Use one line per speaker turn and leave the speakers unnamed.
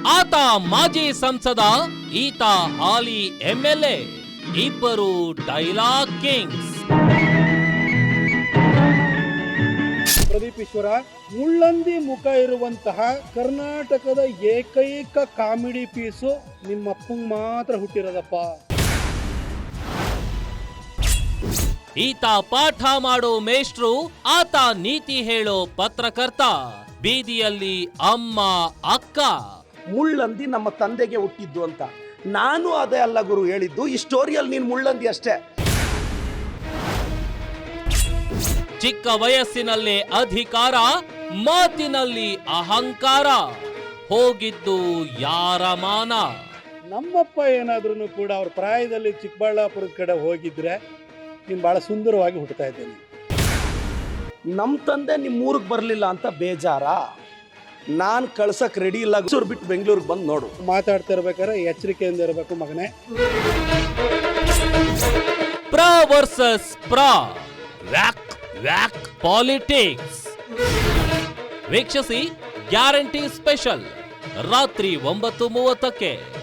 ಆತ ಮಾಜಿ ಸಂಸದ, ಈತ ಹಾಲಿ MLA, ಇಬ್ಬರು ಡೈಲಾಗ್ ಕಿಂಗ್ಸ್.
ಪ್ರದೀಪ್ ಈಶ್ವರ, ಮುಳ್ಳಂದಿ ಮುಖ ಇರುವಂತಹ ಕರ್ನಾಟಕದ ಏಕೈಕ ಕಾಮಿಡಿ ಪೀಸು ನಿಮ್ಮಪ್ಪಂಗ್ ಮಾತ್ರ ಹುಟ್ಟಿರೋದಪ್ಪ.
ಈತ ಪಾಠ ಮಾಡೋ ಮೇಷ್ಟ್ರು, ಆತ ನೀತಿ ಹೇಳೋ ಪತ್ರಕರ್ತ, ಬೀದಿಯಲ್ಲಿ ಅಮ್ಮ ಅಕ್ಕ.
ಮುಳ್ಳಂದಿ ನಮ್ಮ ತಂದೆಗೆ ಹುಟ್ಟಿದ್ದು ಅಂತ ನಾನು ಅದೇ ಅಲ್ಲ ಗುರು ಹೇಳಿದ್ದು. ಈ ಸ್ಟೋರಿಯಲ್ಲಿ ನೀನು ಮುಳ್ಳಂದಿ ಅಷ್ಟೇ.
ಚಿಕ್ಕ ವಯಸ್ಸಿನಲ್ಲೇ ಅಧಿಕಾರ, ಮಾತಿನಲ್ಲಿ ಅಹಂಕಾರ, ಹೋಗಿದ್ದು ಯಾರ ಮಾನ.
ನಮ್ಮಪ್ಪ ಏನಾದ್ರೂ ಕೂಡ ಅವ್ರ ಪ್ರಾಯದಲ್ಲಿ ಚಿಕ್ಕಬಳ್ಳಾಪುರದ ಕಡೆ ಹೋಗಿದ್ರೆ ನೀನು ಬಹಳ ಸುಂದರವಾಗಿ ಹುಟ್ಟುತ್ತಾ ಇದ್ದೇನೆ.
ನಮ್ಮ ತಂದೆ ನಿಮ್ಮ ಊರಿಗೆ ಬರಲಿಲ್ಲ ಅಂತ ಬೇಜಾರ? ನಾನು ಕಳ್ಸಕ್ ರೆಡಿ ಇಲ್ಲ. ಬಿಟ್ಟು ಬೆಂಗಳೂರಿಗೆ ಬಂದು ನೋಡು.
ಮಾತಾಡ್ತಾ ಇರ್ಬೇಕಾದ್ರೆ ಎಚ್ಚರಿಕೆಯಿಂದ ಇರಬೇಕು ಮಗನೇ.
ಪ್ರ ವರ್ಸಸ್ ಪ್ರ, ವ್ಯಾಕ್ ವ್ಯಾಕ್ ಪಾಲಿಟಿಕ್ಸ್. ವೀಕ್ಷಿಸಿ ಗ್ಯಾರಂಟಿ ಸ್ಪೆಷಲ್ ರಾತ್ರಿ 9:30ಕ್ಕೆ.